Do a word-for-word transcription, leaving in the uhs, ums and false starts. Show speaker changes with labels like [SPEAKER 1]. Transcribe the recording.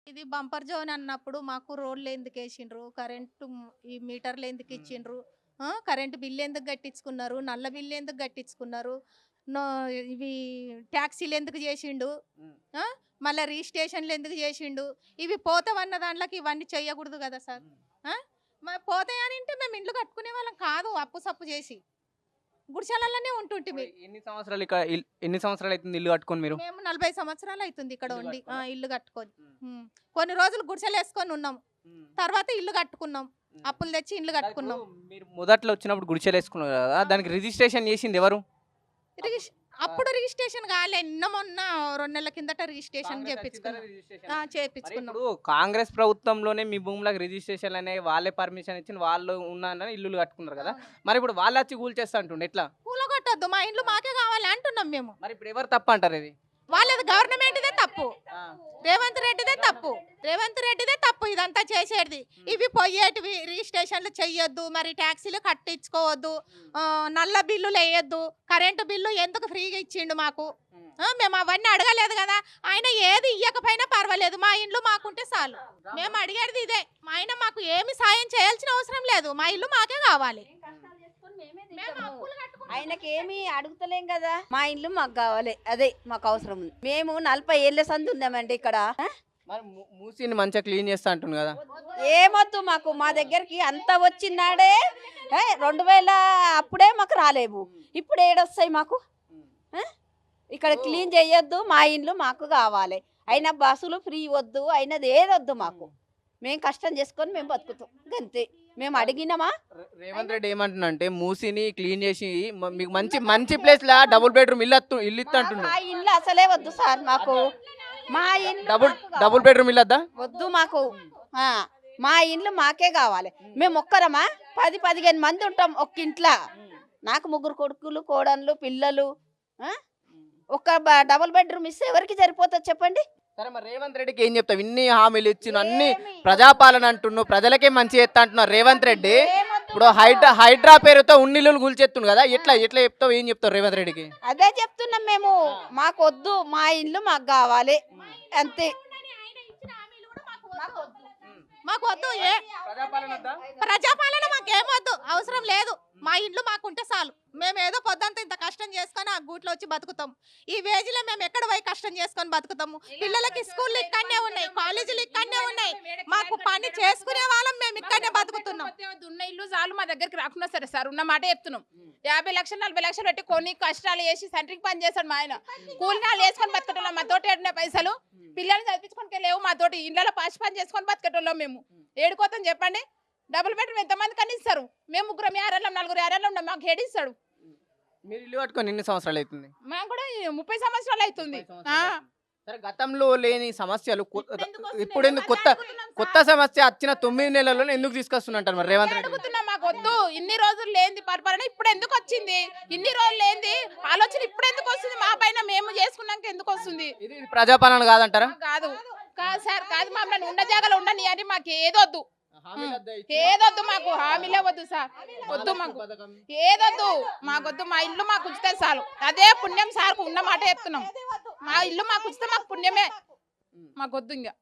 [SPEAKER 1] ఇది bumper zone అన్నప్పుడు మాకు రోడ్లు ఎందుకు వేసిండ్రు, కరెంటు మ్- ఈ మీటర్లు ఎందుకు ఇచ్చిండ్రు, ఆ, కరెంటు బిల్లు ఎందుకు కట్టించుకున్నారు, నల్ల బిల్లు ఎందుకు కట్టించుకున్నారు, నో ఇవి ట్యాక్సీలు ఎందుకు చేసిండు, ఆ, మళ్ళీ రిజిస్ట్రేషన్లు ఎందుకు చేసిండు. ఇవి పోతావన్న దాంట్లోకి ఇవన్నీ చెయ్యకూడదు కదా సార్. ఆ, మరి పోతాయని అంటే మేము ఇండ్లు కట్టుకునే వాళ్ళం కాదు, అప్పు సప్పు చేసి గుడిసెలలోనే ఉంటుంటిమి.
[SPEAKER 2] ఇప్పుడు ఎన్ని సంవత్సరాలు ఇక్కడ ఇల్- ఎన్ని సంవత్సరాలు అవుతుంది ఇల్లు కట్టుకొని మీరు?
[SPEAKER 1] మేము నలభై సంవత్సరాలు అవుతుంది ఇక్కడ
[SPEAKER 2] ఇల్లు
[SPEAKER 1] ఉండి ఆ,
[SPEAKER 2] కట్టుకున్నా?
[SPEAKER 1] ఇల్లు కట్టుకొని.
[SPEAKER 2] ఉమ్.
[SPEAKER 1] ఉమ్. కొన్ని రోజులు గుడిసెలు వేసుకొని ఉన్నాం,
[SPEAKER 2] ఉమ్.
[SPEAKER 1] తర్వాత ఇల్లు కట్టుకున్నాం,
[SPEAKER 2] ఉమ్.
[SPEAKER 1] అప్పులు తెచ్చి ఇల్లు కట్టుకున్నాం.
[SPEAKER 2] ఇప్పుడు మీరు మొదట్లో వచ్చినప్పుడు గుడిచెలు వేసుకున్నారు కదా, దానికి రిజిస్ట్రేషన్ చేసింది ఎవరు?
[SPEAKER 1] రిజిస్- అప్పుడు రిజిస్ట్రేషన్ కాలే, నిన్న మొన్న రెండు నెలల కిందట రిజిస్ట్రేషన్
[SPEAKER 2] కాంగ్రెస్ వచ్చిన
[SPEAKER 1] చేపించుకున్నాం.
[SPEAKER 2] తర్వాత రిజిస్ట్రేషన్.
[SPEAKER 1] ఆ,
[SPEAKER 2] మరి
[SPEAKER 1] చేపించుకున్నాం.
[SPEAKER 2] ఇప్పుడు కాంగ్రెస్ ప్రభుత్వంలోనే మీ భూములకు రిజిస్ట్రేషన్ అనేవి వాళ్ళే పర్మిషన్ ఇచ్చిన వాళ్ళు ఉన్నారని ఇల్లులు కట్టుకున్నారు కదా, మరి ఇప్పుడు వాళ్ళు వచ్చి కూల్చేస్తా అంటుండే ఎట్లా?
[SPEAKER 1] కూలగొట్టొద్దు, మా ఇండ్లు మాకే కావాలి అంటున్నాం మేము.
[SPEAKER 2] మరి ఇప్పుడు ఎవరు తప్ప అంటారు ఇది?
[SPEAKER 1] వాళ్ళది గవర్నమెంట్దే తప్పు,
[SPEAKER 2] ఆ.
[SPEAKER 1] రేవంత్ రెడ్డిదే తప్పు, రేవంత్ రెడ్డిదే తప్పు ఇదంతా చేసేది. ఇవి పోయేటివి రిజిస్ట్రేషన్లు చెయ్యొద్దు, మరి ట్యాక్సీలు కట్టించుకోవద్దు, ఆ, నల్ల బిల్లులు వేయొద్దు, కరెంటు బిల్లు ఎందుకు ఫ్రీగా ఇచ్చిండు మాకు, ఆ, మేము అవన్నీ అడగలేదు కదా. ఆయన ఏది ఇయ్యకపోయినా పర్వాలేదు, మా ఇండ్లు మాకుంటే చాలు. మేము అడిగేది ఇదే, మా ఆయన మాకు ఏమి సాయం చేయాల్సిన అవసరం లేదు, మా ఇల్లు మాకే కావాలి. మేము అప్పులు కట్టుకున్నాం.
[SPEAKER 3] ఆయనకి ఏమి అడుగుతలేం కదా, మా ఇల్లు మాకు కావాలి, అదే మాకు అవసరం ఉంది. మేము నలభై ఏళ్ళ సంది ఉందామండి ఇక్కడ. ఆ?
[SPEAKER 2] మరి మూ- మూసిని మంచిగా క్లీన్ చేస్తా అంటుంది కదా.
[SPEAKER 3] ఏమొద్దు మాకు, మా దగ్గరికి అంత వచ్చినాడే ఏ, రెండు వేల అప్పుడే మాకు రాలేవు, ఇప్పుడు ఏడొస్తాయి మాకు. ఆ? ఇక్కడ క్లీన్ చేయొద్దు, మా ఇల్లు మాకు కావాలి. అయినా బస్సులు ఫ్రీ వద్దు, అయినది ఏదొద్దు మాకు. మేము కష్టం చేసుకొని మేము బతుకుతాం అంతే. మేము అడిగినామా?
[SPEAKER 2] రే- రేవంత్ రెడ్డి ఏమంటున్నా అంటే మూసిని క్లీన్ చేసి మ- మీకు మంచి మంచి ప్లేస్ లా డబుల్ బెడ్రూమ్ ఇల్లు అత్తు- ఇల్లు ఇస్తా అంటున్నా.
[SPEAKER 3] మా ఇల్లు అసలే వద్దు సార్ మాకు, మా ఇల్లు
[SPEAKER 2] డబుల్
[SPEAKER 3] మాకు కావాలి.
[SPEAKER 2] డబుల్ బెడ్రూమ్ ఇల్లు వద్దా?
[SPEAKER 3] వద్దు మాకు. ఆ, మా ఇండ్లు మాకే కావాలి. మేము ఒక్కరమా పది పదిహేను మంది ఉంటాం ఒక్క ఇంట్లో. నాకు ముగ్గురు కొడుకులు, కోడన్లు, పిల్లలు. ఆ? ఒక్క బ- డబుల్ బెడ్రూమ్ ఇస్తే ఎవరికి సరిపోతుంది చెప్పండి?
[SPEAKER 2] సరే మరి రేవంత్ రెడ్డికి ఏం చెప్తావు? ఇన్ని హామీలు ఇచ్చిన అన్ని
[SPEAKER 3] ఏమి?
[SPEAKER 2] ప్రజాపాలన అంటున్నావు, ప్రజలకే మంచి చేస్తా అంటున్నారు రేవంత్ రెడ్డి.
[SPEAKER 3] ఏమొద్దు
[SPEAKER 2] ఇప్పుడు
[SPEAKER 3] మాకు.
[SPEAKER 2] హైడ్రా హైడ్రా పేరుతో ఉన్నిల్లు గుల్చెత్తుండు కదా, ఎట్లా ఎట్లా చెప్తావు, ఏం చెప్తావు రేవంత్ రెడ్డికి?
[SPEAKER 3] అదే చెప్తున్నాం మేము, మాకు వద్దు, మా ఇల్లు మాకు కావాలి అంతే.
[SPEAKER 1] మాకు వద్దు, ఏ ప్రజాపాలన మాకేమొద్దు, అవసరం లేదు. మా ఇండ్లు మాకుంటే చాలు. మేము ఏదో పొద్దంతా ఇంత కష్టం చేసుకొని ఆ గూట్లో వచ్చి బతుకుతాం. ఈ వేజిలో మేము ఎక్కడ పోయి కష్టం చేసుకొని బతుకుతాము? పిల్లలకి స్కూళ్ళు ఇక్కడనే ఉన్నాయి, కాలేజీలు ఇక్కడనే ఉన్నాయి, మాకు పని చేసుకునే వాళ్ళం మేము ఇక్కడనే బతుకుతున్నాం.
[SPEAKER 4] వద్దు, ఉన్న ఇల్లు చాలు, మా దగ్గరికి రాకుండా సరే సార్, ఉన్న మాట చెప్తున్నాం. యాభై లక్షలు నలభై లక్షలు పెట్టి కొన్ని కష్టాలు చేసి సెంట్రింగ్ పని చేస్తాడు మా ఆయన. కూలినాలు వేసుకొని బతకటోళ్ళం, మా తోటి ఏడున్న పైసలు పిల్లల్ని చదివించుకొని లేవు, మా తోటి ఇళ్ళలో పాచి పని చేసుకొని బతకటోళ్ళం మేము. ఏడుకోతాం చెప్పండి? డబుల్ బెడ్రూమ్ ఎంతమంది కన్నా ఇస్తారు? మేము ముగ్గురం యారెళ్ళం, నలుగురు యారెళ్ళం ఉన్నాం, మాకు ఏడిస్తాడు.
[SPEAKER 2] మీరు ఇల్లు కట్టుకొని ఎన్ని సంవత్సరాలు అవుతుంది?
[SPEAKER 4] మాకు కూడా ఈ ముప్పై సంవత్సరాలు అవుతుంది. ఆ.
[SPEAKER 2] సరే, గతంలో లేని సమస్యలు కొ-
[SPEAKER 4] ఎందుకు వస్తున్నాయి?
[SPEAKER 2] ఇప్పుడు ఎందుకు కొత్త
[SPEAKER 4] అడుగుతున్నాం సార్.
[SPEAKER 2] కొత్త సమస్య వచ్చిన తొమ్మిది నెలల్లో ఎందుకు తీసుకొస్తున్నట్టు మరి రేవంత్ రెడ్డి?
[SPEAKER 4] అడుగుతున్నాం, మాకు వద్దు. ఇన్ని రోజులు లేనిది పరిపాలన ఇప్పుడు ఎందుకు వచ్చింది? ఇన్ని రోజులు లేనిది ఆలోచన ఇప్పుడు ఎందుకు వస్తుంది? మా పైన మేము చేసుకున్నాక ఎందుకు వస్తుంది?
[SPEAKER 2] ఇది ఇది ప్రజాపాలన కాదంటారా?
[SPEAKER 4] కాదు కాదు సార్, కాదు. మమ్మల్ని ఉండ జాగాలో ఉండని అని మాకు ఏదొద్దు, ఏదొద్దు, మాకు హామీలే వద్దు సార్, వద్దు మాకు, ఏదొద్దు మాకొద్దు. మా ఇల్లు మాకు ఉచితే చాలు, అదే పుణ్యం సార్కు ఉన్న మాట చెప్తున్నాం. మా ఇల్లు మాకు ఉచితే మాకు పుణ్యమే, మాకు వద్దు ఇంకా.